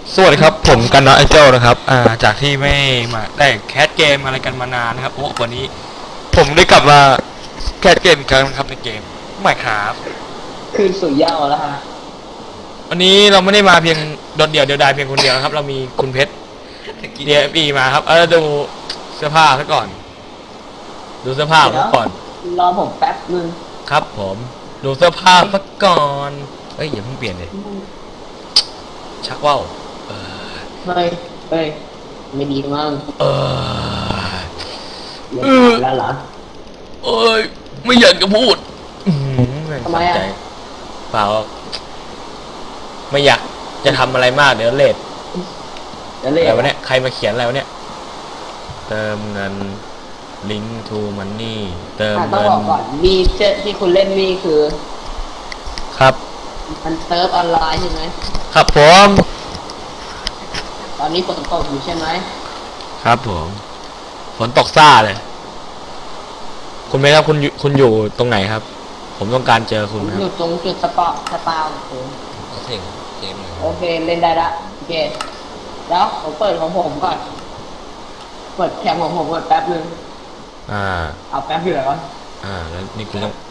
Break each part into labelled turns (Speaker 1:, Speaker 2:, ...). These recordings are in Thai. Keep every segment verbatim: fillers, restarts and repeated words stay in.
Speaker 1: สวัสดีครับผมกันนะไอเจ้านะครับอ่าจากที่ไม่มาได้แคสเกมอะไรกันมานานนะครับโอ้วันนี้ผมได้กลับมาแคสเกมอีกครั้งนะครับในเกม Minecraft
Speaker 2: คืนสู่เหย้าแล้วฮะ
Speaker 1: วันนี้เราไม่ได้มาเพียงโดดเดี่ยวเดียวดายเพียงคนเดียวนะครับเรามีคุณเพชร ดี เอฟ อี มาครับเออดูเสื้อผ้าซะก่อนดูเสื้อผ้าซะก่อน
Speaker 2: รอผมแป๊บนึง
Speaker 1: ครับผมดูเสื้อผ้าซะก่อนเอ้ยอย่าเพิ่งเปลี่ยนเลยชักว่าวเออ
Speaker 2: เฮ้ยเฮ้ยไม่ดีมั้ง
Speaker 1: เออ
Speaker 2: เออแล้วเหรอ
Speaker 1: เอ้ยไม่อยากจะพูด
Speaker 2: ทำไมอ่ะ
Speaker 1: เปล่าไม่อยากจะทำอะไรมากเดี๋ยวเลทอะไรวะเนี่ยใครมาเขียนอะไรวะเนี่ยเติมเงิน link to money เติมเงิน
Speaker 2: ต้องบอกก่อนมีเจ้ที่คุณเล่นนี่คือ
Speaker 1: ครับ
Speaker 2: มันเซิร์ฟออนไลน์ใช่ไหม
Speaker 1: ครับผม
Speaker 2: ตอนนี้ฝนตกอยู่ใช่ไหม
Speaker 1: ครับผมฝนตกซ่าเลยคุณเมย์ครับคุณคุณอยู่ตรงไหนครับผมต้องการเจอคุณครับ
Speaker 2: อยู่ตรงจุดสปอร์สปาวผม
Speaker 1: โอเคเกมเลย
Speaker 2: โอเคเล่นได้ละโอเคแล้วผมเปิดของผมก่อนเปิดแคมของผมก่อนแป๊บนึง
Speaker 1: อ่า
Speaker 2: เอาแป๊บอยู่แล้ว
Speaker 1: อ่าแล้วนี่คุณต้อง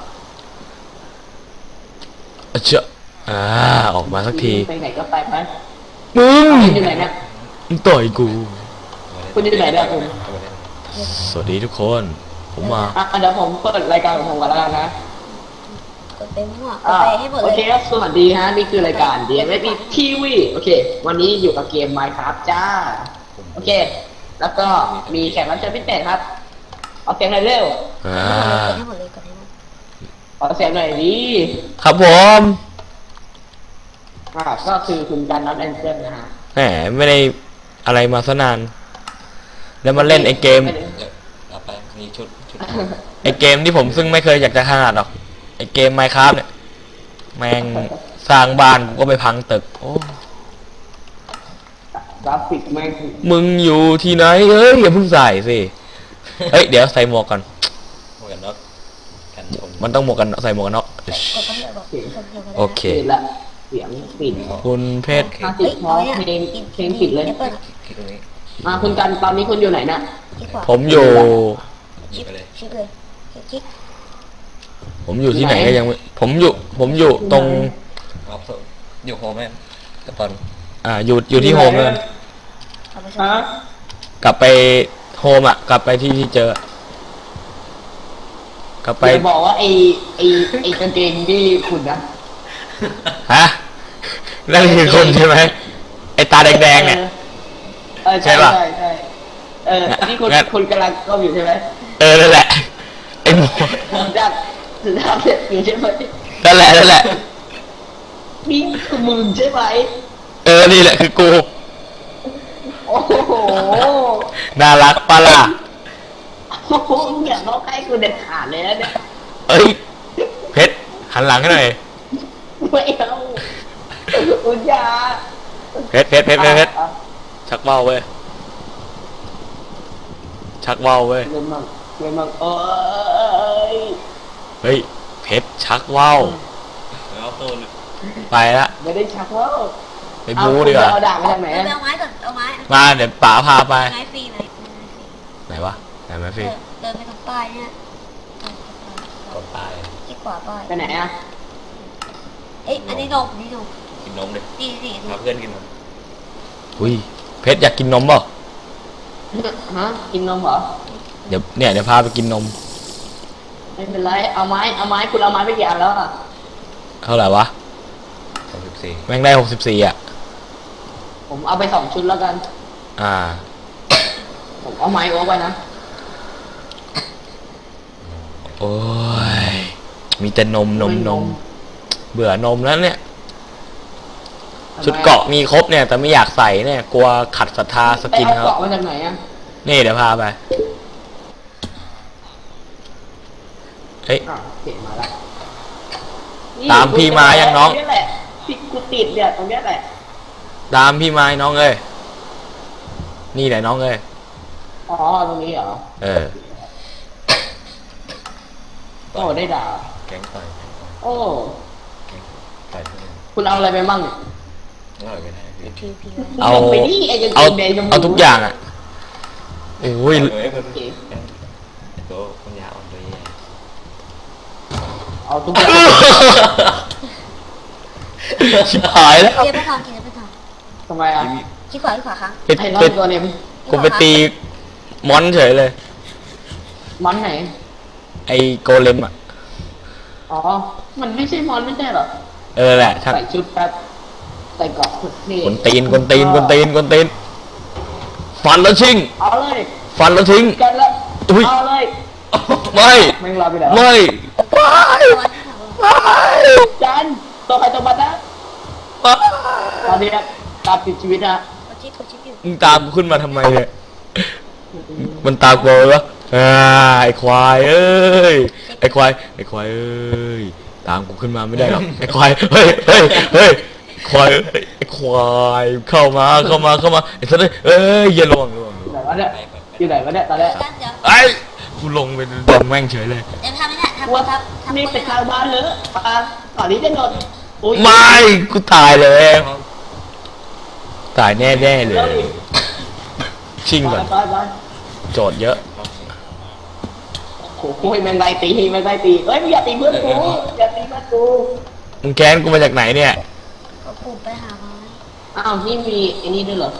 Speaker 1: เจ้าอ่าออกมาสักที
Speaker 2: ไปไหนก็ไปไป
Speaker 1: มึง
Speaker 2: อยู่ไหนเนี่ย
Speaker 1: มึงต่อยกู
Speaker 2: คุณอยู่ไหนเนี่ยคุณ
Speaker 1: สวัสดีทุกคนผมมา
Speaker 2: อ่ะเดี๋ยวผมเปิดรายการของผมก่อนแล้วกันนะ
Speaker 3: กดไปมั่วกดไปให้หมดเลย
Speaker 2: โอเคครับสวัสดีฮะนี่คือรายการ ดี เอ็ม เอฟ อี ที วี โอเควันนี้อยู่กับเกม Minecraft จ้าโอเคแล้วก็มีแขกรับเชิญพิเศษครับเอาเสียงหน่อยเร็ว
Speaker 1: อ่า
Speaker 3: ให้หมดเลยกดให้หมด
Speaker 2: ขอเสียงหน่อยดี
Speaker 1: ครับผม
Speaker 2: อ่าก็คือคุณการนัทแอนเจิลนะฮะ
Speaker 1: แหมไม่ได้อะไรมาซะนานแล้วมาเล่นไอเกมเอาไปมีชุดชุดไอเกมที่ผมซึ่งไม่เคยอยากจะขนาดหรอกไอเกม Minecraft เนี่ยแม่งสร้างบ้านก็ไปพังตึกโอ้
Speaker 2: กราฟิกแม่ง
Speaker 1: มึงอยู่ที่ไหนเอ้ยอย่าเพิ่งใส่สิเฮ้ยเดี๋ยวใส่หมวกก่อนหมวกกันน็อกกันชนมันต้องหมวกกันใส่หมวกกันน็อกโอเค
Speaker 2: ละเสียงปิด
Speaker 1: คุณเพชร
Speaker 2: ห้าสิบพอเพลงเพลงปิดเลยมาคุณกันตอนนี้คุณอยู่ไหนน่ะ
Speaker 1: ผมอยู่
Speaker 3: คลิกเลยคลิกเลยคลิก
Speaker 1: ผมอยู่ที่ไหนก็ยังผมอยู่ผมอยู่ตรงอยู่โฮมแม่กตอนอ่าอยู่อยู่ที่โฮมเลยกลับไปโฮมอ่ะกลับไปที่ที่เจอกลับไป
Speaker 2: บอกว่าไอไอไอกางเกงที่คุณนะ
Speaker 1: ฮะนั่นคือคนใช่ไหมไอตาแดงๆเนี่ย
Speaker 2: ใช่ป่ะใช่เออนี่คุณคุณกำลังก็อยู่ใช่ไหม
Speaker 1: เออนั่นแหละไอหมู
Speaker 2: จากสุดท้ายอยู่ใช่ไหม
Speaker 1: นั่นแหละนั่นแหละ
Speaker 2: นี่คือมึงใช่ไหม
Speaker 1: เออนี่แหละคือกู
Speaker 2: โอ้โห
Speaker 1: น่ารักปะล่ะ
Speaker 2: โอ้โหอย่าร้องให้กูเด็ดขาดเลยนะเนี่ย
Speaker 1: เอ้ยเพชรหันหลังให้หน่อย
Speaker 2: ไม่เอาอุจา
Speaker 1: เพชรเพชรเพชรเพชรชักเบ้าเว้ยชักเบ้าเว้ย
Speaker 2: เงินมั่งเงินมั่งเอ้ย
Speaker 1: เฮ้ยเพชรชักเบ้าแล้วตัวไปละ
Speaker 2: ไม่ได้ชักว่าว
Speaker 1: ไปบูดีกว่า
Speaker 2: เอาด่างมาจากไหน
Speaker 3: เอาไม้ก่อนเอาไม้
Speaker 1: มาเดี๋ยวป๋าพาไป
Speaker 3: ไม้ฟรีไหน
Speaker 1: ไหนวะไหนไม้ฟรี
Speaker 3: เดินไปตรงป้ายเนี่ย
Speaker 1: กดป้าย
Speaker 3: ที่ขวาป้าย
Speaker 2: ไปไหนอ่ะ
Speaker 3: เอ้ยอันนี้นมนี่นม
Speaker 1: กินนมดิ
Speaker 3: ดีสิ
Speaker 1: พาเพื่อนกินนมอุ้ยเพชรอยากกินนมเปล่า
Speaker 2: ฮะกินนมเหรอ
Speaker 1: เดี๋ยวเนี่ยเดี๋ยวพาไปกินนม
Speaker 2: ไม่เป็นไรเอาไม้เอาไม้คุณเอาไม้ไปกี่อันแล้วอ่ะ
Speaker 1: เท่าไหร่วะหกสิบสี่แม่งได้หกสิบสี่อ่ะ
Speaker 2: ผมเอาไปสองชุดแล้วกัน
Speaker 1: อ่า
Speaker 2: ผมเอาไม้โอ๊กไปนะ
Speaker 1: โอ้ยมีแต่นมนมนมเบื่อนมแล้วเนี่ยชุดเกาะมีครบเนี่ยแต่ไม่อยากใส่เนี่ยกลัวขัดศรัทธาสกินเขา
Speaker 2: เกาะมาจากไหนอ่ะ
Speaker 1: นี่เดี๋ยวพาไปเฮ้ยตามพี่มายังน้อง
Speaker 2: นี่แหละพี่กูติดเนี่ยตรงนี้แหละ
Speaker 1: ตามพี่มาน้องเอ้ยนี่แหละน้องเอ้ย
Speaker 2: อ๋อตรงนี้เหรอ
Speaker 1: เออ
Speaker 2: โอ้ได้ด่า
Speaker 1: แกงต่อย
Speaker 2: โอ้คุณเอาอะไรไปบ้าง
Speaker 4: อร่อยไปไหนพี่
Speaker 3: พีพี
Speaker 1: เอา
Speaker 2: ลงไปนี่ไอ้กางเก
Speaker 1: เอา
Speaker 2: งแดงชมพู
Speaker 1: เอาทุกอย่างอ่ะโอ้ย
Speaker 4: เฮ้ยเพิ่มตัวคนยาอ่อนตัวใหญ่
Speaker 2: เอาทุกอย่าง
Speaker 1: ชิบหายแล้ว
Speaker 3: เกียร์ไปทางเกียร์ไปทาง
Speaker 2: ทำไมอ่ะ
Speaker 3: ขี้ขวาขี้ขวาครั้ง
Speaker 1: ไป
Speaker 2: ไอ้รอ
Speaker 1: ไป
Speaker 2: ดตัวเนี่ย
Speaker 1: กูไปตีมอนเฉยเลย
Speaker 2: มอนไหน
Speaker 1: ไอ้โกเลมอ่ะ
Speaker 2: อ๋อ มันไม่ใช่มอนไม่ใช่เหรอ
Speaker 1: เออแหละช่าง
Speaker 2: ใส่ชุดแป๊บใส่เกราะสุดเท่
Speaker 1: กวนตีนกวนตีนกวนตีนกวนตีนฟันแล้วชิง
Speaker 2: เอาเลย
Speaker 1: ฟันแล้วทิ้ง
Speaker 2: กันละ
Speaker 1: อุ๊ย
Speaker 2: เอาเลย
Speaker 1: ไม่
Speaker 2: แม่งรอไปแล้ว
Speaker 1: ไม่ไม่ไม่
Speaker 2: จันตัวใครตัวมันนะตอนนี้นะตามติดชีวิตนะ
Speaker 3: กดชิปกดชิปอยู่
Speaker 1: มึงตามกูขึ้นมาทำไมเนี่ย มันตามกูเลยวะอ่าไอ้ควายเอ้ย ไอ้ควาย ไอ้ควายเอ้ย ตามกูขึ้นมาไม่ได้หรอก ไอ้ควาย เฮ้ยเฮ้ยเฮ้ยควายเอ้ยไอ้ควาย เข้ามา เข้ามา เข้ามา ไอ้สัตว์เอ้ยอย่าลวงลวง
Speaker 2: อยู่ไหนวะเนี่ยอยู่ไหนวะเนี่ยตอนแรก
Speaker 3: กันเดี๋ยว
Speaker 1: ไอ้กูลงไปโดนแม่งเฉยเลย
Speaker 3: เดี๋ยวทำไม่ได้ทำ
Speaker 2: ว่า
Speaker 3: ทำทำ
Speaker 2: นี่เป็นทางบ้านเหรอปาก่อนนี้จะโดนโอ้ย
Speaker 1: ไม่ กูตายเลย ตายแน่ๆเลย ชิงก่อน
Speaker 2: ไปไป
Speaker 1: โจทย์เยอะ
Speaker 2: โอ้โหแมงไล่ตีแมงไล่ตีเอ้ยมึงอย่าตีเพื่อนกูอย่าตีเพื่อนกู
Speaker 1: มึงแค้นกูมาจากไหนเนี่ย
Speaker 3: ก็ปุ่มไปหาไม้
Speaker 2: อ้าวนี่มีไอ้นี่ด้วยเหรอ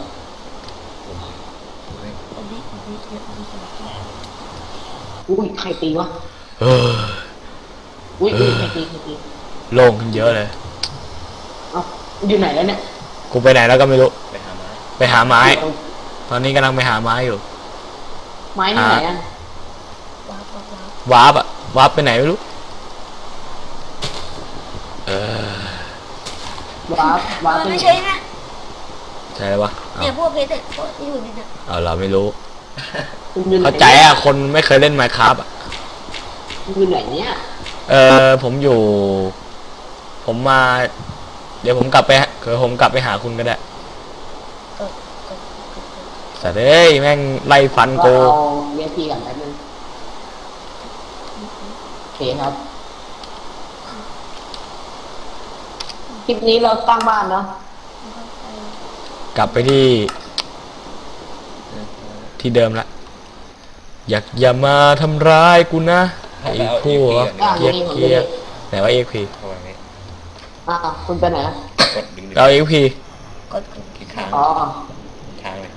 Speaker 3: ปุ่มนี้ปุ่มนี้เยอะปุ่มนี้
Speaker 2: อุ้ยใครตีวะ
Speaker 1: เออ
Speaker 2: อุ้ยอุ้ยใครตีใครตี
Speaker 1: โล่งขึ้นเยอะเลย
Speaker 2: เอ้าอยู่ไหนแล้วเนี่ย
Speaker 1: กูไปไหนแล้วก็ไม่รู้
Speaker 4: ไปหาไม้
Speaker 1: ไปหาไม้ ตอนนี้กำลังไปหาไม้อยู่
Speaker 2: ไม้ที่ไหนอ่ะ
Speaker 3: ว้าวว้าวว้าว
Speaker 1: วาร์ปอะวาร์ปไปไหนไม่รู้ เออ
Speaker 2: วาร์ปวาร์ป
Speaker 3: มัน
Speaker 2: ไป
Speaker 3: ไม่
Speaker 2: ไหน
Speaker 3: ใช่นะ
Speaker 1: ใช่แล้ววะเอา
Speaker 3: เนี่ยพวกเพชรพวกที่อยู่นี่นะ
Speaker 1: เอาเราไม่รู้
Speaker 2: คุณอยู่ไหน
Speaker 1: เข้าใจอะคนไม่เคยเล่นไมค์ครับอะ
Speaker 2: คุณอยู่ไหนเนี่ย
Speaker 1: เออผมอยู่ ผมมา เดี๋ยวผมกลับไปเดี๋ยวผมกลับไปหาคุณก็ได้
Speaker 3: กดกดกดกด
Speaker 1: แต่เอ้ยแม่งไล่ฟัน
Speaker 2: ก็
Speaker 1: กู
Speaker 2: เอาเวทีก่อนแป๊บนึงโอเคครับคลิปนี้เราตั้งบ้านเนาะ
Speaker 1: กลับไปที่ ที่เดิมละ อยากอย่ามาทำร้ายกูนะไอ้พวก
Speaker 2: อ่า
Speaker 1: เกีย
Speaker 2: นี่
Speaker 1: ร์
Speaker 2: ผม
Speaker 1: เกี
Speaker 2: จะ
Speaker 1: ยร์ไหนว่าเอ็กพี
Speaker 4: เข้าไปไหม
Speaker 2: อ่าคุณไปไหนอะ
Speaker 4: กดดึงดึง
Speaker 1: เราเอ็กพี
Speaker 3: กดกด
Speaker 4: กี่ครั้ง
Speaker 2: อ๋อ
Speaker 4: ค้างเลย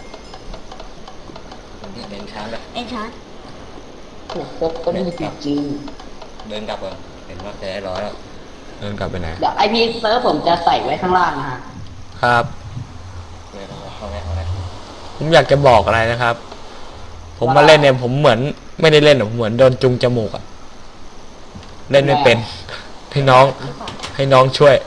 Speaker 4: เดินช้างเลย
Speaker 3: เอ็นชาร์
Speaker 2: เนี่ยก็ก็มีจริง
Speaker 4: เดินกลับเลยเห็นว่าจะได้ร้อยแล้ว
Speaker 1: เดินกลับไปไหน
Speaker 2: เดี๋ยวไอพีเซิร์ฟผมจะใส่ไว้ข้างล่างนะฮะ
Speaker 1: ครับ
Speaker 4: เดินเข้าไหนเข้าไหน
Speaker 1: ผมอยากจะบอกอะไรนะครับ ผมมาเล่นเนี่ยผมเหมือนไม่ได้เล่นหรอกผมเหมือนโดนจุงจมูกอะเล่นไม่เป็น ให้น้อง
Speaker 3: ขี้ขวา
Speaker 1: ให้น้องช่วย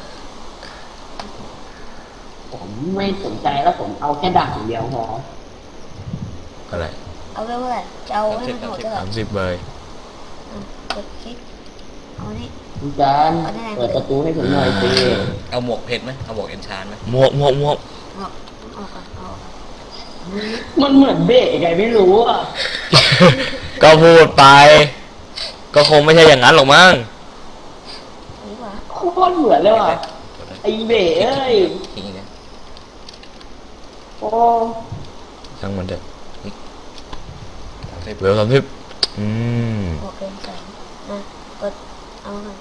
Speaker 2: ผมไม่สนใจแล้วผมเอาแค่ด่างอย่างเดียวพอ
Speaker 1: อะไร
Speaker 3: เอาไว้เมื่อไหร่จะเอาให้มันโหดเท่าไหร่
Speaker 1: สามสิบเบย
Speaker 3: กดคลิกเอานี่
Speaker 2: คุณจานเปิดประตูให้ผมหน่อยสิ
Speaker 4: เอาหมวกเพชรไหมเอาหมวกเอ็นชานไหม
Speaker 1: หมวกหมวกหมวก
Speaker 3: เอาเอาก่อนเอาก่อน
Speaker 2: มันเหมือนเบะไงไม่รู้อ่ะ
Speaker 1: ก็พูดไป ก็คงไม่ใช่อย่างนั้นหรอกมั้ง
Speaker 3: ดีกว่า
Speaker 2: โคตรเหมือนเลยว่ะไอเบะเอ้ย
Speaker 4: ทิ้งเนี่ย
Speaker 2: โอ้
Speaker 1: ช่างมันเถอะ
Speaker 4: สามสิบ
Speaker 1: เวลสามสิบอืม
Speaker 3: บวกเป็นแสนนะกดเอาหน่อย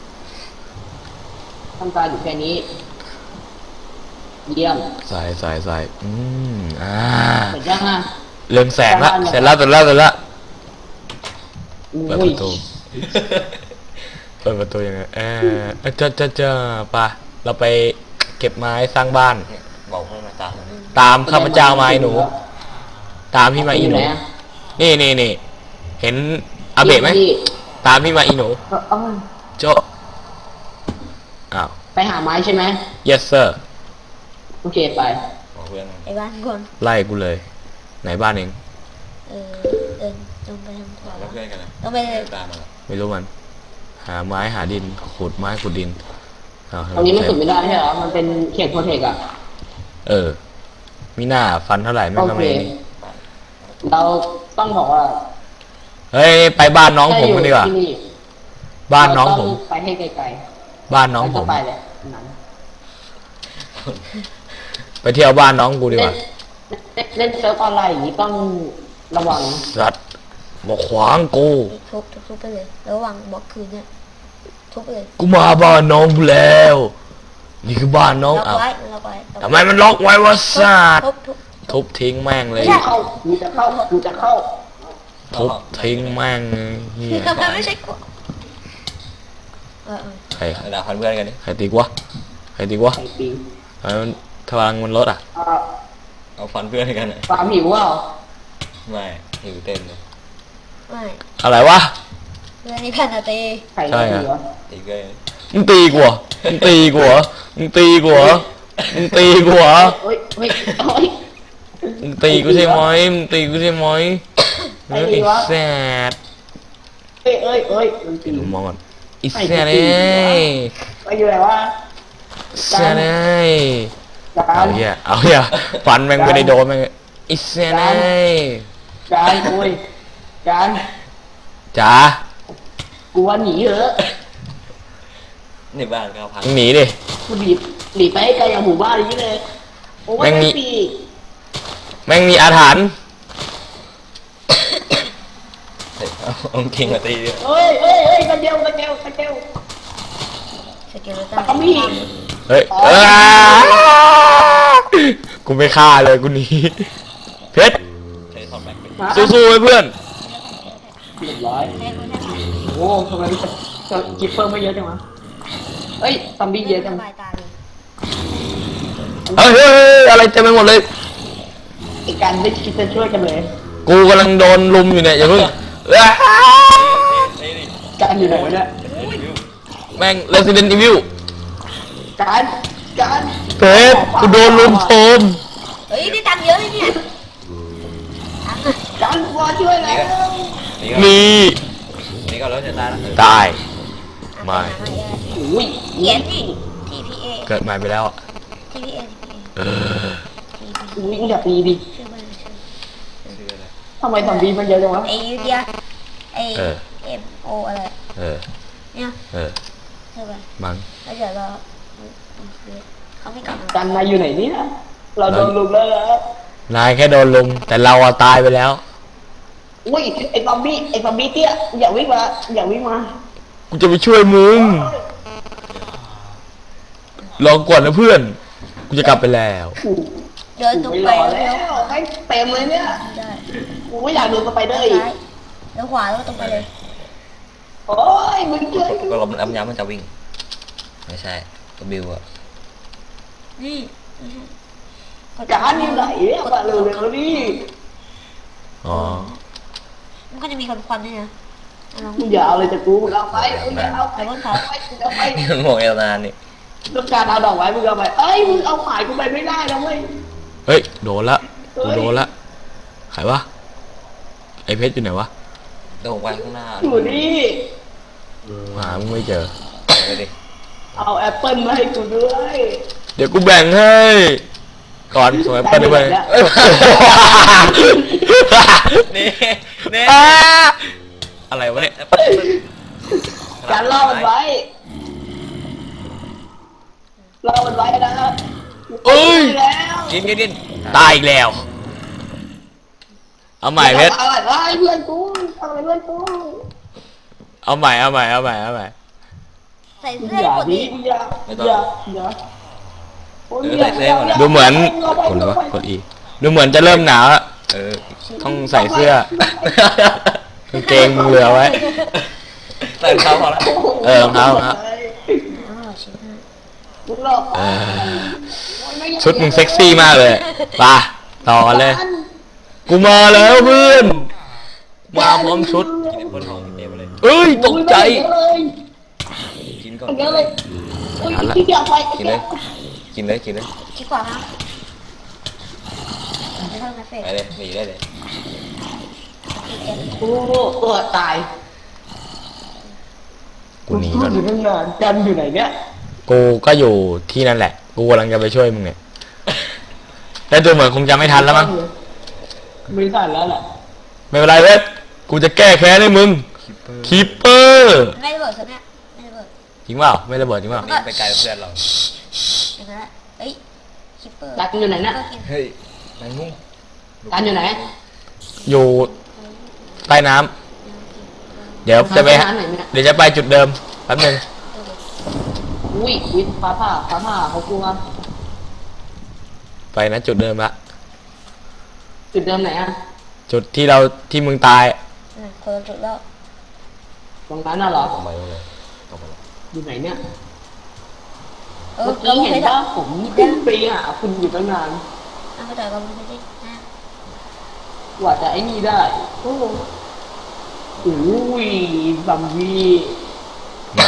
Speaker 2: ทำการอยู่แค่นี้ เยี่ยม
Speaker 1: ใส่ใส่ใส่อืมอ่า
Speaker 2: เสร็จยังอ่ะ
Speaker 1: เรื่องแสงละเสร็จแล้วเสร็จแล้วเสร็จแล้วเปิดป
Speaker 2: อุ้ย
Speaker 1: ระตูเปิดประตูยังไงเออเอ้ยเจะจะจะปะเราไปเก็บไม้สร้างบ้าน
Speaker 4: บอกให้มาตามเลย
Speaker 1: ตามข้าพเจ้ามาไอ้หนู ตามพี่มาอีหนู
Speaker 2: ยู่ไะ
Speaker 1: นี่นี่นี่เห็นอาเบะไหม
Speaker 2: พี่
Speaker 1: ตามพี่มาอีหนู
Speaker 2: เอ้า
Speaker 1: โจอ้าว
Speaker 2: ไปหาไม้ใช่ไหม
Speaker 1: yes sir
Speaker 2: โอเคไป
Speaker 4: บอกเพื่อนมัน
Speaker 3: ไอ้บ้านก่อน
Speaker 1: ไล่กูเลย ไหนบ้านเอง
Speaker 3: เออเดินตรงไปทางขวา
Speaker 4: แล้วเพื่อนกันนะ
Speaker 3: ต้องไปเลย
Speaker 4: ตามมาละ
Speaker 1: ไม่รู้มัน หาไม้หาดินขุดไม้ขุดดินอ้าว
Speaker 2: ตรงนี้มันสุดไม่ได้ใช่เหรอ มันเป็นเขตโปรเทคอะ
Speaker 1: เออ มีหน้าฟันเท่าไหร่ไม่
Speaker 2: โอ
Speaker 1: ก็
Speaker 2: เค
Speaker 1: ไม่นี่
Speaker 2: เราต้องบอกว่า
Speaker 1: เฮ้ยไปบ้านน้องผมกันดีกว่า
Speaker 2: ถ้อยู่ที่
Speaker 1: บ้านน้องผม
Speaker 2: เรต้ไปให้ไกลๆ
Speaker 1: บ้านน้องผม
Speaker 2: ไปเลยนั้น
Speaker 1: ไปเที่ยวบ้านน้องกูดีก
Speaker 2: เล่
Speaker 1: ว่าน
Speaker 2: เล่นเล่นเซิร์ฟออนไลน์อย่างนี้ต้องระวัง
Speaker 1: สัตว์บอกขวางกู
Speaker 3: ทุบทุบทุบไปเลยระหว่างบล็อกคืนเนี่ยทุบไปเลย
Speaker 1: กูมาบ้านน้องกูแล้ว นี่คือบ้านน้อง
Speaker 3: ล็อก
Speaker 1: อ้าว
Speaker 3: ไว้ล็อกไว้
Speaker 1: ทำไมมันล็อกไว้วะสัตว์
Speaker 3: ทุบทุบ
Speaker 1: ทุบทิ้งแม่งเลย
Speaker 2: เข้ากูจะเข้ากูจะเข้า
Speaker 1: ทุบทิ้งแม่งเลยเฮีย
Speaker 3: ทำไมไม่ใช่กูเออเออ
Speaker 1: ใคร
Speaker 4: เวลาพันเพื่อนกันดิ
Speaker 1: ใครตีกวะใครตีกวะ
Speaker 2: ไอ้ปี
Speaker 1: ทำไมมันพลังมันลดอ่ะ
Speaker 2: อ่า
Speaker 4: เอาฟันเพื่อนกันอ่ะ
Speaker 2: ความหิวเปล่า
Speaker 4: ไม่หิวเต็มเลย
Speaker 3: ไม่
Speaker 1: อะไรวะ
Speaker 3: เรื่องนี้แผ่นอะตี
Speaker 2: ไข่
Speaker 1: ใช่
Speaker 2: ไม่
Speaker 1: อะ
Speaker 2: ดีวะ
Speaker 4: อีกเลย
Speaker 1: มึงตีกูเหรอมึงตีกูเหรอมึงตีกูเหรอมึงตีกูเหรอ
Speaker 2: เฮ้ยเฮ้ยเฮ้ย
Speaker 1: มึงตีกูใช่ไหมมึงตีกูใช่ไหมเฮ้ยไอ้แซด
Speaker 2: เอ้ยเอ้ยเอ้ยมันตี
Speaker 1: ดูมองก่อนไอ้แซดเอ้ย
Speaker 2: ไปอยู่ไหนวะ
Speaker 1: แซดเอ้ย
Speaker 2: กา
Speaker 1: เอา
Speaker 2: ร
Speaker 1: เหี้ยเอาเหี้ยฟันแม่งไม่ได้โดนแม่งไอ้แซดเอ้ย
Speaker 2: การคุยการ
Speaker 1: จ๋า
Speaker 2: กูว่าหนีเถอะ
Speaker 4: ในบ้านก็พัน
Speaker 1: มึงหนีดิ
Speaker 2: กูหนีหนีไปให้ไกลอย่างหมู่บ้านอย่างนี้เลยโอ้ย
Speaker 1: แม่งมี
Speaker 2: ปี
Speaker 1: แม่งมีอาถรรพ์
Speaker 4: เฮ้ยเอาเอาเก่งมาตีด้วย
Speaker 2: เอ้ยเอ้ยเอ้ยกระเจียวกระเจียวกระเจียว
Speaker 3: สเกลตัน
Speaker 2: เอามีด
Speaker 1: เฮ้ยเอ้ยกูไม่ฆ่าเลยกูหนีเพชร
Speaker 4: ใช้ทอดแบ็คไป
Speaker 2: มา
Speaker 1: สู้ๆไว้เพื่อน
Speaker 2: เรียบร้อย
Speaker 3: แม่คนนั้น
Speaker 2: โอ้ทำไมมันจะจะกิปเปอร์ไม่เยอะจังวะเอ้ยซอมบี้เยอะจัง
Speaker 3: สบายตาเลย
Speaker 1: เฮ้ยเฮ้ยเฮ้ยอะไรเต็มไปหมดเลย
Speaker 2: ไอ้การไม่คิดจะช่วยกันเลย
Speaker 1: กูกำลังโดนลุมอยู่เนี่ยอย่าเพิ่งอ้า
Speaker 4: เฮ้ยนี่
Speaker 2: การอยู่ไหนวะเนี่ย
Speaker 1: แม่ง Resident Evil
Speaker 2: การการ
Speaker 1: เพชรกูโดนลุมโทม
Speaker 3: เฮ้ยได้ตังค์เยอะเลยเนี่ยตังค์อะ
Speaker 2: การกูมาช่วยแล้ว
Speaker 4: นี่ก็
Speaker 1: มี
Speaker 4: นี่ก็รถจะตายแล้ว
Speaker 1: ตาย ไม่
Speaker 2: อุ้ย
Speaker 3: เขียนดิ ที พี เอ
Speaker 1: เกิดใหม่ไปแล้วอะ
Speaker 3: ที พี เอ
Speaker 1: เออ
Speaker 2: อุ้ยอย่าตีดิ
Speaker 3: ชื่อมันชื่อ
Speaker 4: ชื่ออะไร
Speaker 2: ทำไมซอมบี้มันเยอะจังวะ
Speaker 3: ไอยูเดียไอ
Speaker 1: เออ
Speaker 3: เอ็มโออะไร
Speaker 1: เออ
Speaker 3: เนี่ย
Speaker 1: เออ
Speaker 3: ใช่ป่ะ
Speaker 1: มั้ง
Speaker 3: แล้วเดี๋ยวเราเขาไม่กลับมา
Speaker 2: การนายอยู่ไหนเนี่ยเราโดนลุมแล้วเหรอน
Speaker 1: ายแค่โดนลุมแต่เราอะตายไปแล้ว
Speaker 2: อุ้ยไอ้ซอมบี้ไอ้ซอมบี้เตี้ยอย่าวิ่งมาอย่าวิ่งมา
Speaker 1: กูจะไปช่วยมึงรอก่อนนะเพื่อน กูจะกลับไปแล้ว
Speaker 2: กู
Speaker 3: เดินตรง
Speaker 2: ไม่
Speaker 3: ไป
Speaker 2: รอ
Speaker 3: แล้
Speaker 2: แล้ว วให้เต็มเลยเนี่ย
Speaker 3: ได้
Speaker 2: กูไม่อยากโดนสไปเดอร์อีก
Speaker 3: ซ้ายแล้วขวาแล้วตรงไปเลย
Speaker 2: โอ้ยมึงช่วย
Speaker 4: ก็ลมน้ำย้ำมันจะวิ่งไม่ใช่ก็บิวอะ
Speaker 3: นี่
Speaker 2: การอยู่ไหนเนี่ยมาเร็วๆนี่
Speaker 1: อ๋อ
Speaker 3: มันก็จะมีควันควันด้วยนะลอง
Speaker 2: มึงอย่าเอาเลยจากกูมึงเอาไปมึงอย่าเอาไปมึงเอาไปมึงเอาไป
Speaker 4: นี่มันโมงเอลนานนี่
Speaker 2: ต้องการเอาดอกไม้มึงเอาไปเอ้ยมึงเอาหมายกูไปไม่ได้นะเว้ย
Speaker 1: เฮ้ยโดนละกูโดนละใครวะไอเพชรอยู่ไหนวะ
Speaker 4: เดี๋ยวผมไปข้างหน้า
Speaker 2: อยู่นี่
Speaker 1: หามึงไม่เจอ
Speaker 4: ไปดิ
Speaker 2: เอาแอปเปิลมาให้กูด้วย
Speaker 1: เดี๋ยวกูแบ่งให้ก่อนสวยเปิดไปเอ้ย
Speaker 4: นี่นี่
Speaker 1: อ่าอะไรวะเนี่ย
Speaker 2: การล่อมันไว้ล่อมันไว้นะ
Speaker 1: เอ้ย
Speaker 2: แล้ว
Speaker 4: กินกินกิน
Speaker 1: ตายอีกแล้ว เอาใหม่เพชร
Speaker 2: เอาอะไรเพื่อนกูเอาอะไรเพื่อนกู
Speaker 1: เอาใหม่เอาใหม่เอาใหม่เอาใหม่
Speaker 3: ใส่
Speaker 2: มึง
Speaker 3: เสื้อ
Speaker 2: อย่า
Speaker 3: ปก
Speaker 2: ดิ
Speaker 3: ติ
Speaker 2: มึงอย่าอย่าอย่าโอ้ยอย่าอย่า
Speaker 1: ดูเหมือนกดเลยวะกดอีดูเหมือนจะเริ่มหนาวแล้ว
Speaker 4: เออ
Speaker 1: ต้องใส่เสื้อกางเกงมึงเหลือไว้
Speaker 4: ใส่เขาพอละ
Speaker 1: เออรองเท้ารองเท้า
Speaker 3: อ๋อชิ้นห้า
Speaker 2: มึงหลอก
Speaker 1: เออชุดมึงเซ็กซี่มากเลยไปต่อกันเลย กูมาแล้วเพื่อนมาพร้อมชุด
Speaker 4: กินบนห้องเกมเลย
Speaker 1: เอ้ยตกใจ
Speaker 4: กินก่อน
Speaker 2: เยอะเลยอุ้ยที่เดียวไป
Speaker 4: กินเลยกินเลยกินเลย
Speaker 3: คิดกว่านะไม่ต้องนะเฟก
Speaker 4: ไปเลยหนีได้เลย
Speaker 2: โอ้โหตัวตาย
Speaker 1: กูหนีก่อน
Speaker 2: อยู่ตั้งนานกันอยู่ไหนเนี่ย
Speaker 1: กูก็อยู่ที่นั่นแหละ กูกำลังจะไปช่วยมึงเนี่ยแต่ดูเหมือนคงจะไม่ทันแล้วมั้ง
Speaker 2: ไม่ทันแล้วแหละ
Speaker 1: ไม่เป็นไรเว้ยกูจะแก้แค้นให้มึงคีปเปอร์
Speaker 3: ไม่ระเบิดซะเนี่ยไม่ระเบิด
Speaker 1: จริงเปล่าไม่ระเบิดจริงเปล่า
Speaker 4: นี่ไปไกลเพื่อนเรา
Speaker 3: อย่างนั้นแหละเอ้ยคิปเปอร์
Speaker 2: การอยู่ไหนน่ะ
Speaker 3: ก็กิน
Speaker 4: เฮ้ยแมงมุม
Speaker 2: การอยู่ไหน
Speaker 1: อยู่ใต้น้ำเดี๋ยวจะไป
Speaker 2: หาไหนเนี่ย
Speaker 1: เดี๋ยวจะไปจุดเดิมแป๊บนึง
Speaker 2: อุ้ยอุ้ยฟ้าผ่าฟ้าผ่าเขากลัว
Speaker 1: ไปนะจุดเดิมละ
Speaker 2: จุดเดิมไหนอ่ะ
Speaker 1: จุดที่เราที่มึงตาย
Speaker 3: อืมคนละจุดแล้ว
Speaker 2: ตรงนั้นน่ะเหรอ
Speaker 4: ตรงไปเลยตรงไปเลย
Speaker 2: อยู่ไหนเนี่ย
Speaker 3: เออ
Speaker 2: เมื่อ
Speaker 3: เรา
Speaker 2: กี้
Speaker 3: ไม่
Speaker 2: เห็
Speaker 3: เคน ย
Speaker 2: ว่า
Speaker 3: ทำ
Speaker 2: ผมขึ้นไปหาคุณอยู่ตั้งนาน
Speaker 3: อ่ะก็แต่เราไม่ได้นะ
Speaker 2: กว่าจะไอ้นี่ได้โอ้โหอุ้ยบัมบี้
Speaker 1: มา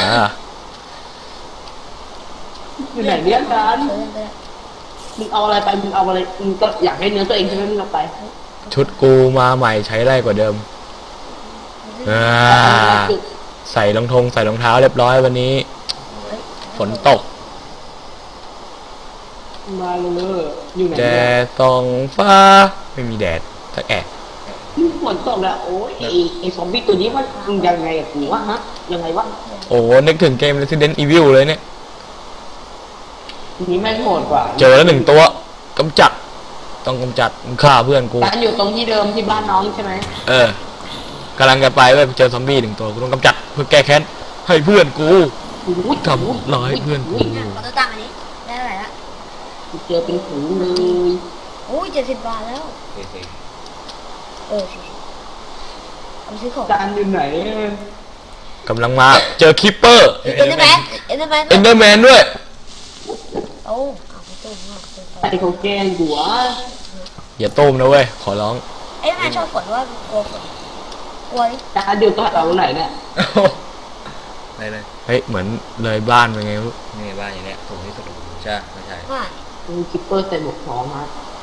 Speaker 2: อยู่ไหนเนี่ยการ
Speaker 3: เออไปแล้ว
Speaker 2: มึงเอาอะไรไปมึงเอาอะไรมึงก็อยากให้เนื้อตัวเองใช่ไหมมึงเอาไป
Speaker 1: ชุดกูมาใหม่ใช้ได้กว่าเดิมอ่าใส่รองทงใส่รองเท้าเรียบร้อยวันนี้ ฝนตก
Speaker 2: มาเลยอยู่ไหน
Speaker 1: แด
Speaker 2: เนี่ย
Speaker 1: ดส่องฟ้าไม่มีแดดสักแอะ
Speaker 2: ฝนตกแล้วโอ้ยไอ้ไอ้ซอมบี้ตัวนี้มันยังไงกับกูวะฮะยังไงวะ
Speaker 1: โอ้โหนึกถึงเกม Resident Evil เลยเนี่ย
Speaker 2: ทีนี้แม่งโหดกว่า
Speaker 1: เจอแล้วหนึ่งตัวกำจัด ต้องกำจัดมึงฆ่าเพื่อนกู
Speaker 2: การอยู่ตรงที่เดิมที่บ้านน้องใช่ไหม
Speaker 1: เออกำลังจะไปเว้ยเจอซอมบี้หนึ่งตัวกูต้องกำจัดเพื่อแก้แค้นให้เพื่อนกู
Speaker 2: อุ้ย
Speaker 1: ทำร้ายเพื่อนกู
Speaker 2: ย
Speaker 3: เนี่ยขอตัวตังค์อันนี้ได้เท่าไหร่ละ
Speaker 2: กูเจอเป็นฝูงเลย
Speaker 3: โอ้ยเจ็ดสิบบาทแล้ว
Speaker 4: เฮ้ยเฮ้ย
Speaker 3: เออสิเอาไปซื้อของ
Speaker 2: การอยู่ไหน
Speaker 1: กำลังมาเจอคิปเปอร์
Speaker 3: เอ็นเดอร์แมนเอ็นเดอร์แมน
Speaker 1: เอนเดอร์แมนด้วย
Speaker 3: โอ้เอาไปตู้นอกตู้
Speaker 2: ใครเขาแกล้งกูวะ
Speaker 1: อย่าต้มนะเว้ยขอร้อง
Speaker 3: เอ็นเดอร์แมนชอบฝนว่ากลัวฝนกลัวดิ
Speaker 2: การอยู่ตรงเราไหนเนี่ย
Speaker 4: ไหนเลย
Speaker 1: เฮ้ยเหมือนเลยบ้านไปไงไม่รู้
Speaker 4: นี่บ้านอย่างเนี้ยถูกที่สุดใช่ไม่ใช่
Speaker 3: ว่า
Speaker 2: มีคิปเปอร์ใส่หมวกทองฮะ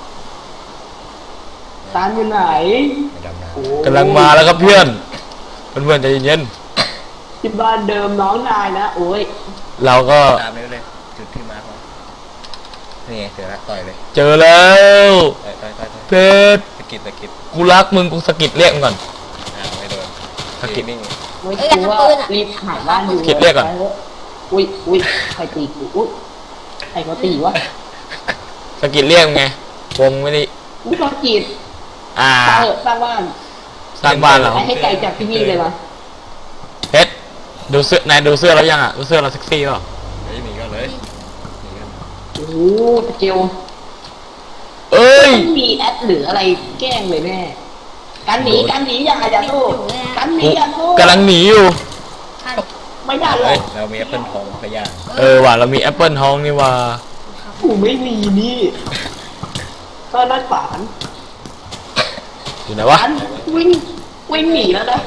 Speaker 2: การอยู่ไหน
Speaker 4: ไม่ดำน้
Speaker 2: โอ้
Speaker 1: กำลังมาแล้วครับเพื่อนเพื่อนๆใจเย็น
Speaker 2: ที่บ้านเดิมน้องนายนะโอ้ย
Speaker 1: ๆเราก็
Speaker 4: ำตามไปเลยจุดที่มาร์คไว้นี่ไงเจอละต่อยเลย
Speaker 1: เจอแล้ว
Speaker 4: ต่อยต่อยต่อยต่อย
Speaker 1: เพชร
Speaker 4: สกิดสกิด
Speaker 1: กูรักมึงกูสะกิดเรียกมึงก่อน
Speaker 4: อ้าวไม่โดน
Speaker 1: สกิด
Speaker 4: นี่
Speaker 2: โอ้ยกูว่ารีบหาบ้านอยู่
Speaker 1: คิดเรียกก่อน
Speaker 2: อุ้ยอุ้ยใครตีกูอุ้ยใครเขาตีวะ
Speaker 1: สะกิดเรียกมึงไงวงไม่ได้
Speaker 2: อุ้ยเขาจีด
Speaker 1: อ่า
Speaker 2: สร้างเถอะสร้างบ้าน
Speaker 1: สร้างบ้านเรา
Speaker 2: ให้ให้ไกลจากที่นี่เลยมา
Speaker 1: เพชรดูเสื้อนายดูเสื้อแล้วยังอ่ะดูเสื้อเราเซ็กซี่เปล่า
Speaker 4: เฮ้ยหนีก็เลยหนีกัน
Speaker 2: โอ้โหตะเกียว
Speaker 1: เอ้ย
Speaker 2: ต้องมีแอดหรืออะไรแกล้งเลยแน่การหนีการหนีอย่าอย่าสู้การหนี
Speaker 1: กู
Speaker 2: อย่าสู้
Speaker 1: กำลังหนีอยู่
Speaker 3: ฆ่าดิ
Speaker 2: ไม่ได้หรอ
Speaker 4: เฮ้ย
Speaker 2: ก
Speaker 4: เรามีแอปเปิลทองขยะ
Speaker 1: เออว่ะเรามีแอปเปิลทองนี่ว่ะ
Speaker 2: กูไม่มีนี่ก็นัดฝาน
Speaker 1: อยู่ไหนวะ
Speaker 2: การวิ่งวิ่งหนีแล้วนะ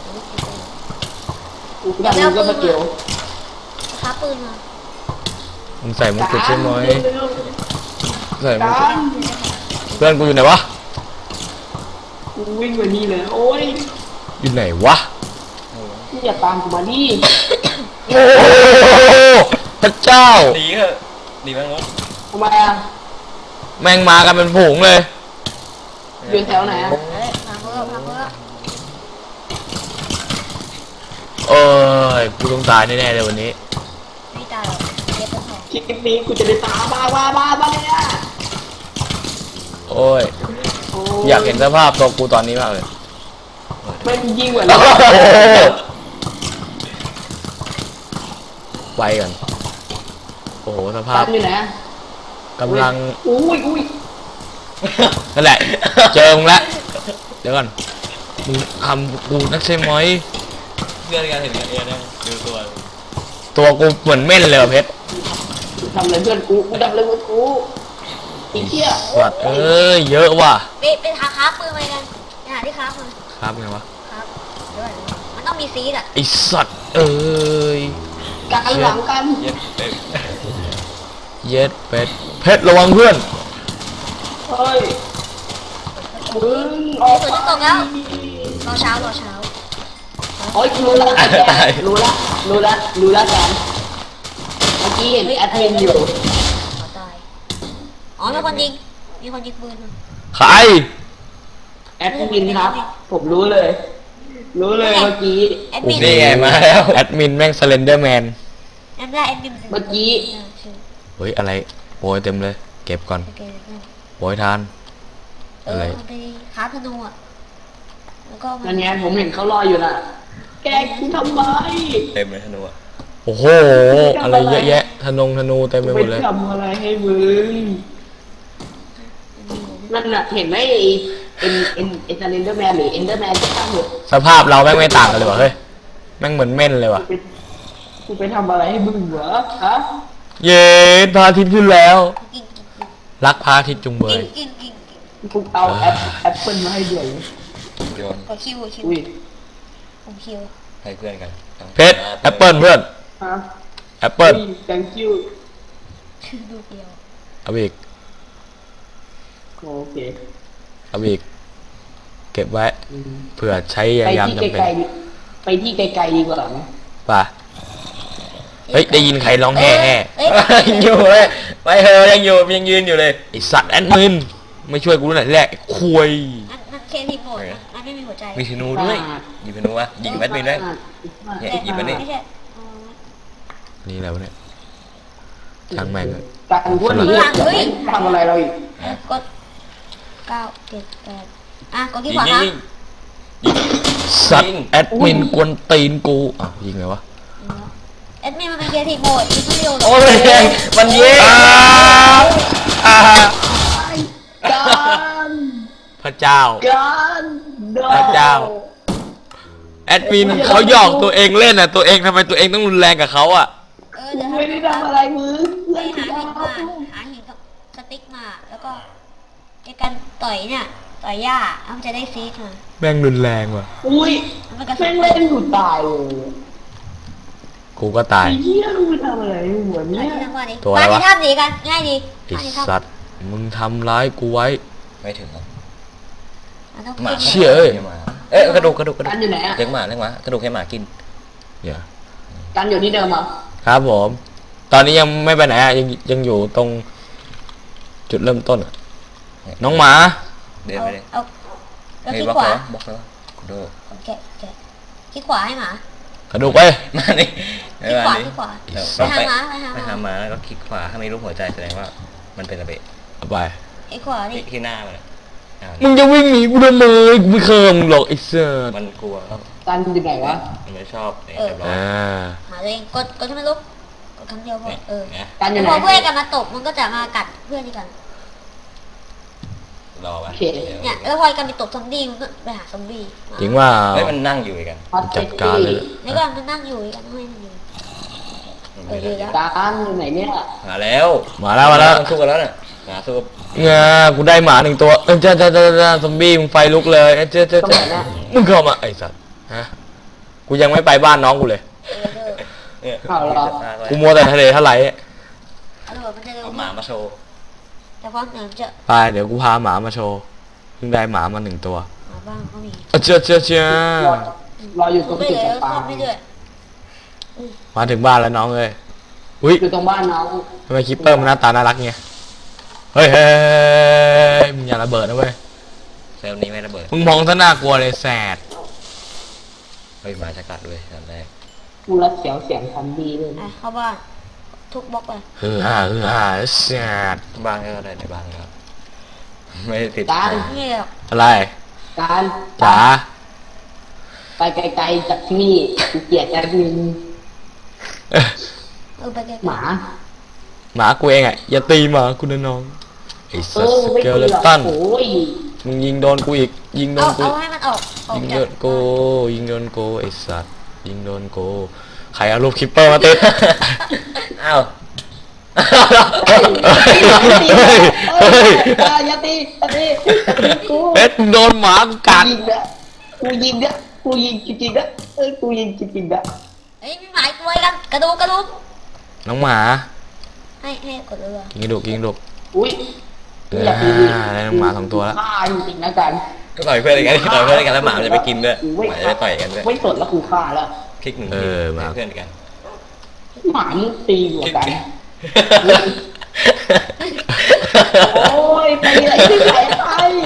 Speaker 2: กูกำลังก็ตะเกียว
Speaker 3: ค้าปืนมา
Speaker 1: มึงใส่มงกุฎใช่ไหม
Speaker 2: เร็ว
Speaker 1: ใส่
Speaker 2: ๆ
Speaker 1: มง
Speaker 2: กา
Speaker 1: กุฎ
Speaker 2: ร
Speaker 1: เพื่อนกูอยู่ไหนวะ
Speaker 2: กูวิ่งมานี่เลยโอ้ย
Speaker 1: อยู่ไหนวะ
Speaker 2: นี่อย่าตามกูมาดิ
Speaker 1: โอ้โหพระเจ้า
Speaker 4: หนีเถอะหนีแมงมุม
Speaker 2: ทำไมอ่ะ
Speaker 1: แม่งมากันเป็นฝูงเลย
Speaker 2: อยู่แถวไหนอ่ะ
Speaker 3: เอ้ยพังเพิ่มพังเพิ่ม
Speaker 1: เอ้ยกูต้องตายแน่ๆเลยวันนี้
Speaker 3: ไม่ตายหรอกเก็บเป็นของ
Speaker 2: คลิปนี้กูจะได้ตามบ้าบ้าบ้าบ้าเลยอ่ะ
Speaker 1: โอ้ย
Speaker 2: โอ้
Speaker 1: อยากเห็นสภาพตัวกูตอนนี้มากเลย
Speaker 2: ไม่ยิ่งกว่า
Speaker 1: โอ้
Speaker 2: นี้
Speaker 1: โหไปกันโอ้โหสภา
Speaker 2: ตา
Speaker 1: พ
Speaker 2: มอยู่ไหนอะ
Speaker 1: กำลัง
Speaker 2: อุ้ยอุ้ย
Speaker 1: นั่นแหละ เจอมึงแล้วเดี๋ยวก่อนมึงทำกูนักใช่ไหม
Speaker 4: เพื่อนกันเห็นกันเองนะดูตัว
Speaker 1: ตัวกูเหมือนเม่นเลยว่ะเพชร
Speaker 2: ทำอะไรเพื่อนกูกูทำอะไรเพื่อนกูไอ้เหี้ย
Speaker 1: สัตว์เอ้ยเยอะว่ะ
Speaker 3: ไปไปหาค้าปืนมากันไปหาที่ค้ามา
Speaker 1: ครับไงวะ
Speaker 3: ครับเดี๋ยวก่อนมันต้องมีซีดอ่ะ
Speaker 1: ไอสัตว์เอ้ย
Speaker 2: การหลังกัน
Speaker 4: เย็ดเต็ม
Speaker 1: เย็ดเป็ดเพชรระวังเพื่อน
Speaker 2: เฮ้ยมึงออก
Speaker 3: ฝนจะตกแล้วรอเช้ารอเช้า
Speaker 2: โอ้ยรู้ละรู้ละรู้ละรู้ละกันเมื่อกี้เห็นแอดมินอยู่
Speaker 3: ขอตายอ๋อมีคนยิงมีคนยิงปืนมา
Speaker 1: ใคร
Speaker 2: แอดมินครับ ผมรู้เลย รู้เลยเมื่อกี้
Speaker 3: แอดมิน
Speaker 4: นี่ไงมาแล้ว
Speaker 1: แอดมินแม่งสเลนเดอร์แมน
Speaker 3: แอดได้แอดมิน
Speaker 2: เมื่อกี้
Speaker 3: เออชื่อ
Speaker 1: เฮ้ยอะไรโปรยเต็มเลยเก็บก่อน
Speaker 3: โอเคเพื่อน
Speaker 1: โวยทาน
Speaker 3: เอ
Speaker 1: อะไร
Speaker 3: อมันไปค้าธนูอ่ะแล้วก็มั
Speaker 2: นั่นไงผมเห็นเขารออยู่น่ะ แกกูทำไม
Speaker 4: เต็มเลยธนูอะ
Speaker 1: โอ้โห อะไรเยอะแยะธนงธนูเต็มไปห
Speaker 2: ไป
Speaker 1: มดเลย
Speaker 2: ทำอะไรให้มึงนั่นน่ะเห็นไหมไอ้เอ็นเอ็นเอ็นเดอร์แมนหรือเอ็นเดอร์แมนจะทำเหรอ
Speaker 1: สภาพเราแม่งไม่ต่างกันเลยว่ะเฮ้ยแม่งเหมือนเม่นเลยว่ะ
Speaker 2: กูไปกูไปทำอะไรให้มึงเหรอฮะ
Speaker 1: เย็นพระอาทิตย์ขึ้นแล้ว
Speaker 3: กินกินกิน
Speaker 1: รักพระอาทิตย์จุงเบ
Speaker 3: กิ
Speaker 1: ย
Speaker 3: นกินกินกิน
Speaker 2: กูเอาแอปแอปเปิลมาให้เดี๋ยว
Speaker 4: โยน
Speaker 3: กดคิวกดคิว
Speaker 2: อุ้ย
Speaker 3: ผมคิว
Speaker 4: ให้เพื่อนกัน
Speaker 1: เพชรแอปเปิลเพื่อน
Speaker 2: ฮะ
Speaker 1: แอปเปิล
Speaker 2: อุ้ย thank you
Speaker 3: คือดูเดียว
Speaker 1: เอาอีก
Speaker 2: โอเค
Speaker 1: เอาอีกเก็บไว้
Speaker 2: อืม
Speaker 1: เผื่อใช้
Speaker 2: ไป
Speaker 1: ยาม
Speaker 2: ที่
Speaker 1: จำเป็น
Speaker 2: ไกลๆดิไปที่ไกลๆดีกว่าไหม
Speaker 1: ป่ะเฮ้ยได้ยินใครร้องแห่แห่
Speaker 3: เอ้ย
Speaker 1: ยังอยู่เลยไปเฮอยังอยู่ยังยืนอยู่เลยไอสัตว์แอดมินไม่ช่วยกูหน่อยแรกคุย
Speaker 3: นั่นนั่นเคทีโหมดนะนั่นไม่มีหัวใจ
Speaker 4: มีธนูด้วยหยิบธนูวะยิงแบทมินด้วย เนี่ยหยิบมานี่
Speaker 3: ไม่ใช่อ๋อ
Speaker 1: นี่แล้วะเนี่ยช่างแม่งเลย
Speaker 2: การพวกนี้ทำอะไรเราอีก
Speaker 3: เอ้ยกดเก้าเจ็ดแปดอ่ะกดที่
Speaker 4: ยิ
Speaker 3: ข
Speaker 4: ง
Speaker 3: วา
Speaker 4: ยิง
Speaker 3: ครับ
Speaker 4: ยิง
Speaker 1: สัตว์แอดมินกวนตีนกูอ้าวยิงไงวะ
Speaker 3: เอ็ดมินมันเป็นเคทีโหมดยิงไม่เร็วหรอก
Speaker 1: โอ้ยแรงมันเย้อ่า
Speaker 2: การ
Speaker 1: พระเจ้า
Speaker 2: การโดน
Speaker 1: พระเจ้า แอดมินเขาหยอกตัวเองเล่นอ่ะตัวเองทำไมตัวเองต้องรุนแรงกับเขาอ่ะ
Speaker 3: เออเดี๋ยว
Speaker 2: ไม่ได้ทำอะไรมึง
Speaker 3: ไปหาหินมาหาหินกับสติ๊กมาแล้วก็ในการต่อยเนี่ยต่อยหญ้าแล้วมันจะได้ซีดมา
Speaker 1: แม่งรุนแรงว่ะ
Speaker 2: อุ้ย
Speaker 3: มันกระสุ
Speaker 2: แม่
Speaker 3: น
Speaker 2: งเล่นกูตายเลย
Speaker 1: กูก็ตาย
Speaker 2: ไอ้เหี้ยมึงไปทำอะไรหัว
Speaker 3: อัน
Speaker 2: เนี่ย
Speaker 3: นี้ทั้งวันนี้
Speaker 1: ตัวอะไร
Speaker 3: มา
Speaker 1: วะ
Speaker 3: ที่ถ้ำหนีกันง่ายดี
Speaker 1: ไอ
Speaker 3: มาที่ถ้ำ
Speaker 1: สัตว์มึงทำร้ายกูไว้
Speaker 4: ไม่ถึงหรอก
Speaker 3: มันต้อง
Speaker 4: หมา
Speaker 3: กิน
Speaker 1: เชี่ยเอ้ย
Speaker 4: ลี้งหมาเอ้ยกระดูกกระดูกกระดู
Speaker 2: กั
Speaker 4: ก
Speaker 2: นอยู่ไหนอ่ะ
Speaker 4: เลี้ยงหมาเลี้ยงหมากระดูกให้หมากิน
Speaker 1: เนี่ย
Speaker 2: กันอยู่ที่เดิมอ่ะ
Speaker 1: ครับผม ตอนนี้ยังไม่ไปไหนอ่ะยังยังอยู่ตรงจุดเริ่มต้นอะน้องหมา
Speaker 4: เดิน
Speaker 3: เอา
Speaker 4: ไปเลย
Speaker 3: เอาแล้ว
Speaker 4: เฮ้ย
Speaker 3: คลิก
Speaker 4: บล็อก
Speaker 3: ขวา
Speaker 4: แล้วบล็อกแล้วกูโด
Speaker 3: แกะแกะคลิกขวาให้หมาก
Speaker 1: ระดูกไป
Speaker 4: มานี่
Speaker 3: คลิกขวาคลิกขวา
Speaker 4: เดี๋ยว
Speaker 3: ไปหาหมาไปหา
Speaker 4: ไป
Speaker 3: ห
Speaker 4: หา
Speaker 3: มา
Speaker 4: หมาแล้วก็คลิกขวาถ้ามีรูปหัวใจแสดงว่ามันเป็นระเบิด
Speaker 1: เอาไป
Speaker 3: คลิกขวา
Speaker 4: ที่
Speaker 3: นี่
Speaker 4: ที่หน้ามันอะอ่า
Speaker 1: มึงจะวิ่งหนีกูทำไมกูไม่เคยมึงหรอกไอ้เสือ
Speaker 4: มันกลัวครับ
Speaker 2: กันอยู่ไหนวะ
Speaker 4: มันไม่ชอบเนี่ยเรียบร้อย
Speaker 1: อ่า
Speaker 3: หาตัวเองกดกดให้มันลุกกดครั้งเดียวพอ
Speaker 4: เนี่ย
Speaker 3: เออ
Speaker 4: เนี่ย
Speaker 2: กันอยู่ไหน
Speaker 3: พอเพื่อนกันมาตบมันก็จะมากัดเพื่อนที่กัน
Speaker 4: รอไว้
Speaker 2: โอเค
Speaker 4: ดี๋ว
Speaker 3: เนี่ยแล้วพอกันไปตบซอมบี้มันก็ไปหาซอมบี้มา
Speaker 1: จริงว่า
Speaker 4: เฮ้ยมันนั่งอยู่อีกกัน
Speaker 2: ฮอต
Speaker 1: จัดการเลย
Speaker 3: นี่ก็มันนั่งอยู่อีกอันไม่มันอยู่ เออดีแล้ว
Speaker 2: การอยู่ไหนเนี่ย
Speaker 4: มาแล้ว
Speaker 1: มาแล้วมาแล้ว
Speaker 4: นสู้กันแล้วเนี่ยมาสู้กับ
Speaker 1: เงากูได้หมาหนึ่งตัวเออเจ้าเจ้าเจ้าเจ้าซอมบี้มึงไฟลุกเลยเอ้ยเจ้าเจ้า
Speaker 2: ตรง
Speaker 1: เจ้า
Speaker 2: ไหนเนี่ย
Speaker 1: มึงเข้ามาไอ้สัตว์ฮะกูยังไม่ไปบ้านน้องกูเลย
Speaker 3: เออเออ
Speaker 4: เนี่ย
Speaker 2: เอาเหรอ
Speaker 1: กูมัวแต่ทะเลทลาย
Speaker 3: เอาเลยมันจะเร็ว
Speaker 4: เอาหมามาโชว์
Speaker 3: แต่พอเหนือจะ
Speaker 1: ไปเดี๋ยวกูพาหมามาโชว์เพิ่งได้หมามาหนึ่งตัว
Speaker 3: หมาบ้างก็มี
Speaker 1: เอ้ยเจ้าเจ้าเจ้าร
Speaker 2: อรออยู่ตรง
Speaker 3: ไม่
Speaker 2: จุด
Speaker 3: เลย
Speaker 2: จับปลา
Speaker 3: ซ่อมไม่เลย
Speaker 1: มาถึงบ้านแล้วน้องเอ้ยอุ้ย
Speaker 2: อยู่ตรงบ้านน้อง
Speaker 1: ทำไมคิปเปอร์มันหน้าตาน่ารักเงี้ยเฮ้ยเฮ้ยมึงอย่าระเบิดนะเว้ย
Speaker 4: เซลล์นี้ไม่ระเบิด
Speaker 1: มึงมองซะน่ากลัวเลยแสด
Speaker 4: เฮ้ยหมาจะกัดด้วยตอนแรก
Speaker 2: กูรักเสียวเสียงทันดีเลย
Speaker 3: อ่ะเข้าบ้านทุกบล็อกไป
Speaker 1: ฮือฮ่าฮือฮ่าแสด
Speaker 4: บ้านก็ได้ในบ้านครับไม่ได้ติด
Speaker 2: การ
Speaker 3: นี่หรอก
Speaker 1: อะไร
Speaker 2: การ
Speaker 1: จ๋า
Speaker 2: ไปไกลๆจากที่นี่กูเกลียดแอดมิน
Speaker 1: เอ้ย
Speaker 3: เออไปไกลๆ
Speaker 2: หมา
Speaker 1: หมากูเองอ่ะอย่าตีหมากูนะน้องไอ้
Speaker 2: เอ
Speaker 1: สัส
Speaker 2: อ
Speaker 1: ส
Speaker 2: ไม่
Speaker 1: เก
Speaker 2: ตี
Speaker 1: ลเล
Speaker 2: หรอก
Speaker 1: ตัน
Speaker 2: โอ้ย
Speaker 1: มึงยิงโดนกูอีกยิงโด
Speaker 3: เอา
Speaker 1: นกู
Speaker 3: เอาให้มันออกออก
Speaker 1: ยิง
Speaker 3: จา
Speaker 1: โด
Speaker 3: ก
Speaker 1: นกูยิงโดนกูไอ้สัสยิงโดนกูใครเอารูปคิปเปอร์มาติด
Speaker 4: อ้าว
Speaker 2: เฮ้ย
Speaker 1: เฮ้ยเฮ้ย
Speaker 2: อย่าตีอย่าตีอย่าตีกู
Speaker 1: เป็ดมึงโดนหมากูกัด
Speaker 2: ยิงนะกูยิงนะกูยิงจริงๆนะเอ้ยกูยิงจริงๆนะ
Speaker 3: เฮ้ยมีหมายกล้วยกันกระดูกกระดูก
Speaker 1: น้องหมา
Speaker 3: ให้ให้กดเรือ
Speaker 1: ยิงกระดูกยิงกระดูก
Speaker 2: อุ้ย
Speaker 1: อ่าได้น้องหมาสองตัวแล้ว
Speaker 2: ฆ่าจริงๆนะกัน
Speaker 4: ก็ต่อยเพื่อนกันต่อยเพื่อนกันแล้วหมามันจะไปกินด้วยหมาจะไปต่อยกันด้วย
Speaker 2: ไม่สดแล้วกูฆ่าแล้ว
Speaker 4: คลิกหนึ่ง
Speaker 1: เอ
Speaker 4: ที
Speaker 1: อมา
Speaker 4: เพื่อนกัน
Speaker 2: หมามึงตีหัว
Speaker 4: คลิก
Speaker 2: กัน
Speaker 4: หนึ่ง
Speaker 2: โอ้ยไปไหนที่ไหนไป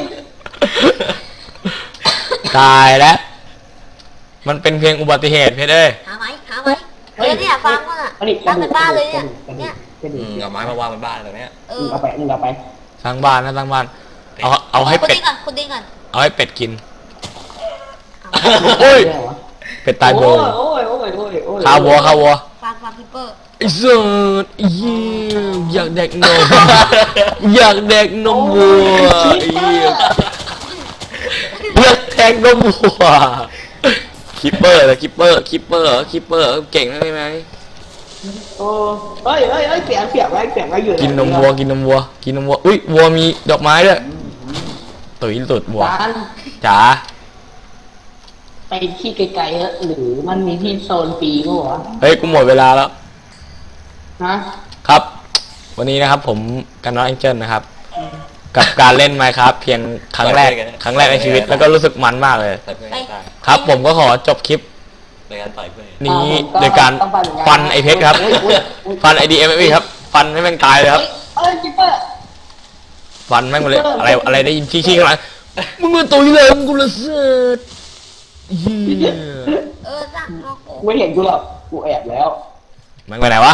Speaker 1: ตายแล้วมันเป็นเพียงอุบัติเหตุเพชรเอ้ย
Speaker 3: หาไหมหาไหมเออเนี่ยฟังมันอ่ะตั้งเป็นบ้านเลยเนี่ยเนี่ย
Speaker 2: ก็
Speaker 4: อื
Speaker 2: ดี
Speaker 4: มเอาไม้มาวางบนบ้านตรงเนี้ย
Speaker 3: เอ
Speaker 2: มึ
Speaker 3: อง
Speaker 2: เอาไปมึงเอาไป
Speaker 1: สร้างบ้านนะสร้างบ้าน เอาเอาให้
Speaker 3: คุณ
Speaker 1: เป็ด
Speaker 3: ดิ้งก่อนคุณดิ้งก่อน
Speaker 1: เอาให้เป็ดกิน
Speaker 3: เอา
Speaker 1: โอ้ย
Speaker 2: ได้เหรอวะ
Speaker 1: เป็ดตายโบ
Speaker 2: โอ้ยโอ้ยโอ้ยโอ้ยโอ้ย
Speaker 1: ข้าววัวข้าววัว
Speaker 3: ฟาร์มฟาร์มพิปเปอร์
Speaker 1: ไอ้สัสไอ้เหี้ยอยากแดกนม อยากแดกนมวัวไอ้เหี้ยอยากแทงนมวัวคิปเปอร์เหรอคิปเปอร์คิปเปอร์คิปเปอร์เก่งได้ไหม
Speaker 2: โอ้เอ้ยเอ้ยเอ้ยเสียงเสียงไว้เสียงไว้อยู่
Speaker 1: กินนมวัวกินนมวัวกินนมวัวอุ้ยวัวมีดอกไม้ด้วยตุ๋ยตุดวัว
Speaker 2: จาน
Speaker 1: จ๋า
Speaker 2: ไปที่ไกลๆเถอะหรือมันมีที่โซนฟรีมั้วะ
Speaker 1: เฮ้ยกูหมดเวลาแล้ว
Speaker 2: ฮะ
Speaker 1: ครับ วันนี้นะครับผมกันน้องแองเจิลนะครับ กับการเล่น Minecraft เพียงครั้งแรกครั้งแรกในชีวิตแล้วก็รู้สึกมันมากเลย
Speaker 4: ต่อยเพื่อนให้ตาย
Speaker 1: ครับ ผมก็ขอจบคลิป
Speaker 4: โดยการต่อยเพื่อน
Speaker 1: นี้
Speaker 2: อ่า
Speaker 1: โดยการ
Speaker 2: ต้องฟันเหมือนกัน
Speaker 1: ฟันไอเพชรครับ
Speaker 2: อุ๊ยอุ๊ยอุ๊ย
Speaker 1: ฟันไอดีเอ็มเอครับ ฟันให้แม่งตายเลยครับ
Speaker 2: เอ้ยคิปเปอร์
Speaker 1: ฟันแม่งหมดเลยอะไรอะไรได้ยินชี้ๆข้างหลังมึงมาตุยเลยมึงกูละเสิร์ตเฮีย
Speaker 3: เออสั่งนอกโก
Speaker 2: ไม่เห็นกูหรอกกูแอบแล้ว
Speaker 1: มันไปไหนวะ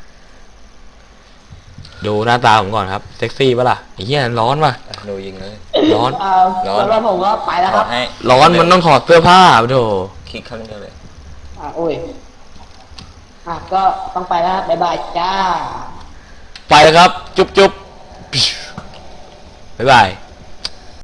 Speaker 1: ดูหน้าตาผมก่อนครับเซ็กซี่ปะล่ะไอ้เหี้ยร้อนป่ะ
Speaker 4: อ่ะดูยิงเลย
Speaker 1: ร้อน
Speaker 2: อ่า
Speaker 4: ร้อน
Speaker 2: แล้วผมก็ไปแล้ว
Speaker 4: ข
Speaker 2: ค
Speaker 4: อ
Speaker 2: รับ
Speaker 4: ให้
Speaker 1: ร้อนมันต้องถอดเสื้อผ้าโธ่
Speaker 4: คลิกครั้งเดียวเลย
Speaker 2: อ่าโอ้ยอ่ะก็ต้องไปแล้วครับบ๊ายบายจ้า
Speaker 1: ไปแล้วครับ จุ๊บจุ๊บบ๊ายบาย